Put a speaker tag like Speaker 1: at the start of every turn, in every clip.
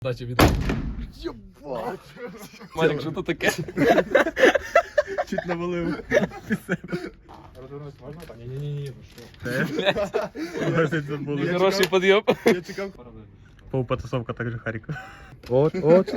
Speaker 1: Дача від...
Speaker 2: Єбать!
Speaker 1: Марік, що то таке?
Speaker 2: Чуть навалив.
Speaker 1: Розвернусь можна? Ні-ні-ні,
Speaker 2: Це було.
Speaker 1: Хороший підйом.
Speaker 2: Я чекав. Полупотасовка также Харіка. От.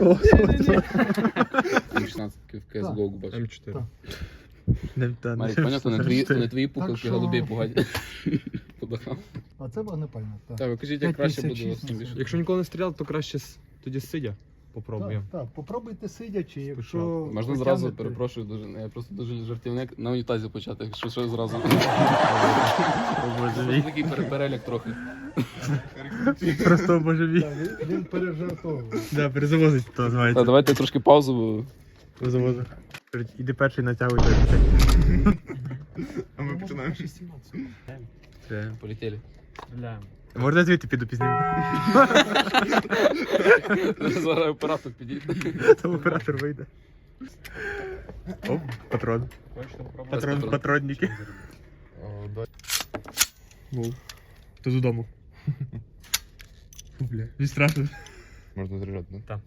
Speaker 1: 16 в CSGO бачу.
Speaker 2: М4.
Speaker 1: Марік, понятно, не твої пукавки голубей пугать. Подахав.
Speaker 3: А це вогнепальне, так.
Speaker 1: Так, ви кажіть, як краще буде
Speaker 3: 5,56
Speaker 1: тим більше.
Speaker 4: Якщо ніколи не стріляв, то краще тоді сидя. Попробуємо.
Speaker 3: Так, попробуйте сидячи, якщо...
Speaker 1: Можна
Speaker 3: потягнете-
Speaker 1: зразу, перепрошую, дуже, я просто дуже жартівник, на унітазі почати, що зразу.
Speaker 2: Боже мій.
Speaker 1: Такий перелік трохи.
Speaker 2: Просто боже мій.
Speaker 3: Так, він пережартовує.
Speaker 2: Да, перезавозить, то
Speaker 1: Так,
Speaker 2: називається.
Speaker 1: давайте трошки паузу, бо...
Speaker 2: Перезавозить. Іди перший натягуй той. А ми починаємо. Це.
Speaker 1: Полетіли.
Speaker 4: Стріляємо.
Speaker 2: Можна звідти піду пізніше?
Speaker 1: Зараз оператор підійде.
Speaker 2: Там оператор вийде. Оп, патрон.
Speaker 4: Хочете попробувати?
Speaker 2: Патронники. Мов. То додому. Фу, бля. Мені страшно.
Speaker 1: Можна заряджати, да?
Speaker 4: Так.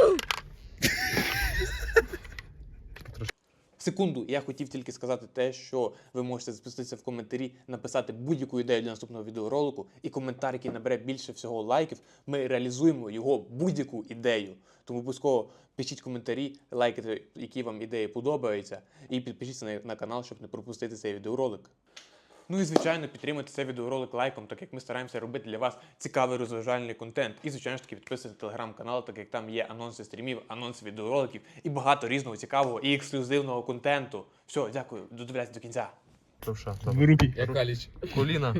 Speaker 5: Секунду, я хотів тільки сказати те, що ви можете запуститися в коментарі, написати будь-яку ідею для наступного відеоролику, і коментар, який набере більше всього лайків, ми реалізуємо його будь-яку ідею. Тому обов'язково пишіть коментарі, лайкайте, які вам ідеї подобаються, і підпишіться на канал, щоб не пропустити цей відеоролик. Ну і, звичайно, підтримуйте цей відеоролик лайком, так як ми стараємося робити для вас цікавий розважальний контент. І, звичайно ж таки, підписуйтесь на телеграм-канал, так як там є анонси стрімів, анонси відеороликів і багато різного цікавого і ексклюзивного контенту. Все, дякую, додивляйтесь до кінця.
Speaker 4: Правша.
Speaker 2: В руки.
Speaker 1: Я каліч.
Speaker 4: Коліна.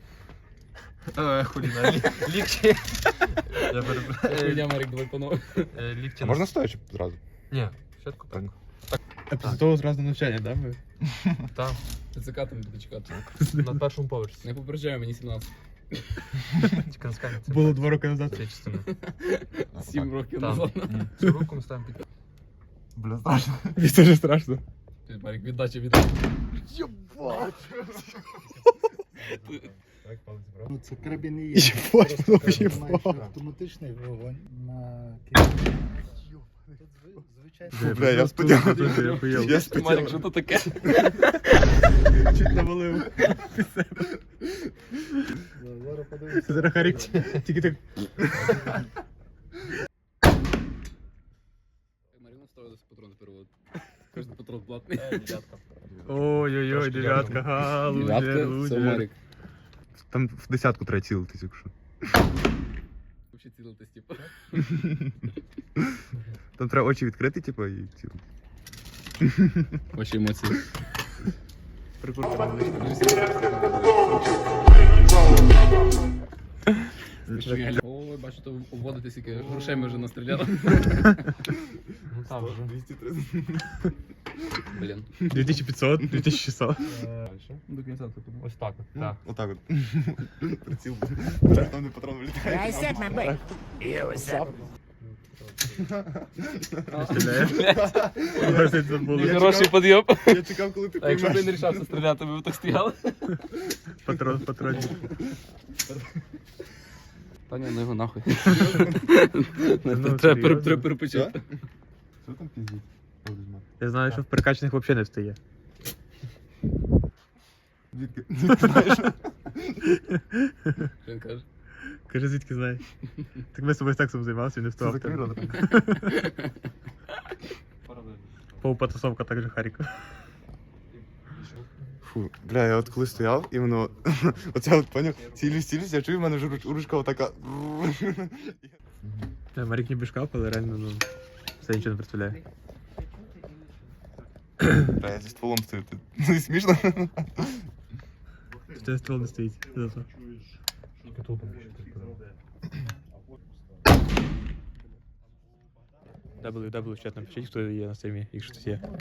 Speaker 4: Коліна. Лікчі. Я перепрошую.
Speaker 1: Я Марік, давай панове.
Speaker 4: Лікчі.
Speaker 6: А можна стоячи зразу?
Speaker 4: Ні. Спочатку так.
Speaker 2: А після того зразу навчання, так? Ми?
Speaker 4: Там.
Speaker 1: ТЦК там буде чекати.
Speaker 4: На першому поверсі.
Speaker 1: Не попереджаю, мені 17.
Speaker 4: Тільки на скані.
Speaker 2: Було 2 роки назад.
Speaker 4: Це частина.
Speaker 1: 7 років
Speaker 4: Там.
Speaker 1: назад.
Speaker 4: Цю руку ми ставимо під...
Speaker 6: Бля, страшно.
Speaker 2: Мені теж страшно.
Speaker 1: Марік, віддача від...
Speaker 3: Єбать! Ну, це карабін і є.
Speaker 2: Єбать,
Speaker 3: Просто
Speaker 2: ну,
Speaker 3: карабін
Speaker 2: єбать.
Speaker 3: має автоматичний вогонь на кілька. Звичайно.
Speaker 6: Бля, я сподіваюся.
Speaker 2: Я поїв.
Speaker 6: Я
Speaker 1: Марік,
Speaker 6: сподіваюся.
Speaker 1: що то таке?
Speaker 2: Чуть навалив.
Speaker 3: Зараз подивимося.
Speaker 2: Зараз Харік тільки так.
Speaker 1: Маріна ставилася патрони перевод. Кожен патрон платний.
Speaker 2: Ой-ой-ой, дев'ятка, га, лузер,
Speaker 1: Дев'ятка, це
Speaker 2: лузер.
Speaker 1: Марік.
Speaker 6: Там в десятку треба цілитись, якщо.
Speaker 1: Взагалі цілитись, типу.
Speaker 6: Там треба очі відкрити, типу, і цілити.
Speaker 1: Ваші емоції.
Speaker 2: Прикурка невеличка.
Speaker 1: Ой, бачу, то обводити скільки грошей ми вже настріляли.
Speaker 4: Ну там вже.
Speaker 6: 230.
Speaker 1: Блін.
Speaker 2: 2500, 2600.
Speaker 4: До кінця ти подумав. Ось так. Так.
Speaker 6: Отак от. Приціл. Там не патрон вилітає.
Speaker 7: I said my butt. You said.
Speaker 2: Стріляє. Може, це було.
Speaker 1: Хороший підйом.
Speaker 6: Я чекав, коли ти
Speaker 1: А якщо б
Speaker 6: поймеш.
Speaker 1: ти не рішався стріляти, ми б так стояли.
Speaker 2: Патронник.
Speaker 1: Та ні, ну його нахуй.
Speaker 2: Ну,
Speaker 1: Треба
Speaker 2: серйозно?
Speaker 1: перепочити.
Speaker 6: Що там піздіть?
Speaker 2: Я знаю, що в прикачаних взагалі не встає.
Speaker 6: Звідки?
Speaker 1: Що він каже?
Speaker 2: Каже, звідки знаєш? Так ми з тобою сексом займалися, він не
Speaker 6: Це
Speaker 2: вставав.
Speaker 6: закрий рот.
Speaker 2: Полупотасовка также Харіка.
Speaker 6: Фу, бля, я от коли стояв, іменно, оце от, поняв, цілюсь, я чую, в мене вже ручка отака.
Speaker 2: Марік не бішкав, але реально, ну, все нічого не представляє.
Speaker 6: Бля, я зі стволом стою, це смішно?
Speaker 2: Це ствол не стоїть. Зато. WW в чат напишіть, хто є на стрімі, якщо хтось є.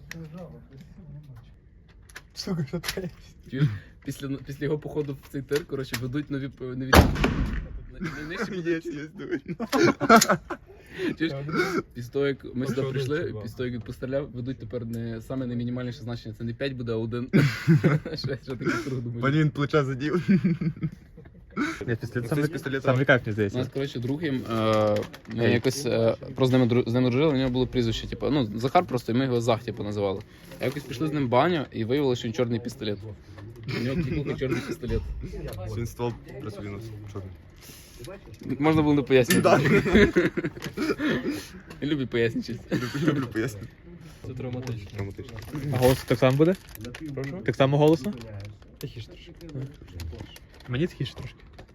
Speaker 6: Сука, що таке?
Speaker 1: Чуєш? Після його походу в цей тир, коротше, ведуть нові... Найнижчі
Speaker 6: Є, дивись.
Speaker 1: Чуєш? Після того, як ми сюди прийшли, після того, як він постріляв, ведуть тепер не саме наймінімальніше значення. Це не 5 буде, а 1. Що такий круг думаю.
Speaker 6: Пані він плеча задів.
Speaker 2: Ні, пістолет
Speaker 6: Ну,
Speaker 2: саме,
Speaker 6: це з пістолета.
Speaker 2: саме кайф, мені
Speaker 1: У
Speaker 2: здається.
Speaker 1: нас, коротше, друг їм, ми якось просто з ним дружили, у нього було прізвище, типу, ну, Захар просто, і ми його Зах, типу, називали. А якось пішли з ним в баню і виявили, що він чорний пістолет. У нього клікухи чорний пістолет.
Speaker 6: Він ствол просвинув чорний.
Speaker 1: Можна було не пояснювати.
Speaker 6: Да.
Speaker 1: Любить пояснювати.
Speaker 6: Люблю пояснити.
Speaker 4: Це травматично.
Speaker 6: Драматично.
Speaker 2: А голос так само буде?
Speaker 4: Прошу?
Speaker 2: Так само голосно?
Speaker 4: Тихіше трошки.
Speaker 2: Мені тихіше трошки.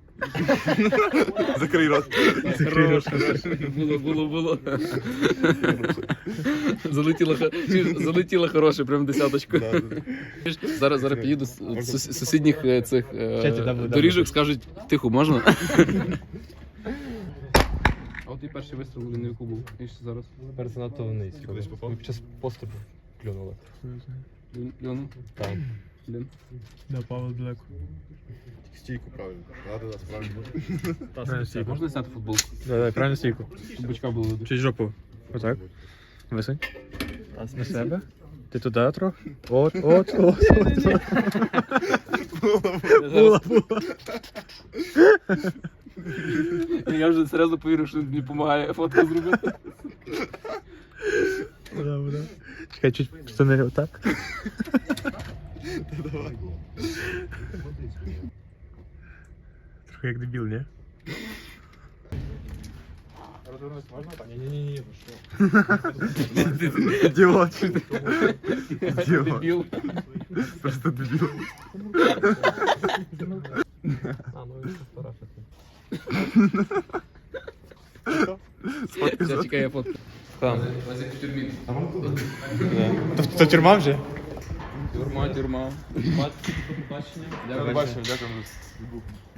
Speaker 6: Закрий рот.
Speaker 1: Було. Залетіло хороше, прям десяточку.
Speaker 6: Да, да.
Speaker 1: Зараз підійду з сусідніх цих
Speaker 2: Чаті, да,
Speaker 1: доріжок, скажуть, тихо, можна? А от і перший вистріл він на яку був. І ще зараз.
Speaker 4: Тепер занадто вниз.
Speaker 6: Кудись попав?
Speaker 4: Ми під час пострілу клюнули.
Speaker 1: Льону?
Speaker 4: Так.
Speaker 1: Блін.
Speaker 2: Да, Павло далеко.
Speaker 6: Стійку правильно. Да, справді.
Speaker 2: Правильно стійку.
Speaker 1: Можна зняти футболку?
Speaker 2: Да, правильно стійку.
Speaker 1: Щоб бочка було видно.
Speaker 2: Чуть жопу. Отак. Висунь. На себе. Ти туди трохи. От. Була.
Speaker 1: Я вже серйозно повірив, що мені допомагає фотку зробити.
Speaker 2: Да. Чекай, чуть штани отак.
Speaker 6: Давай.
Speaker 2: Трохи як дебіл, ні?
Speaker 4: Ні-ні-ні, ви що?
Speaker 6: Ідіот. Ідіот.
Speaker 1: Дебіл.
Speaker 6: Просто дебіл.
Speaker 4: А, ну він фотографія.
Speaker 1: Все, чекай, я фотку.
Speaker 2: Там.
Speaker 1: Вас як в тюрмі.
Speaker 2: То тюрма вже?
Speaker 1: Тюрма.
Speaker 4: Бачення.
Speaker 1: Дякую.
Speaker 6: Бачив, дякую.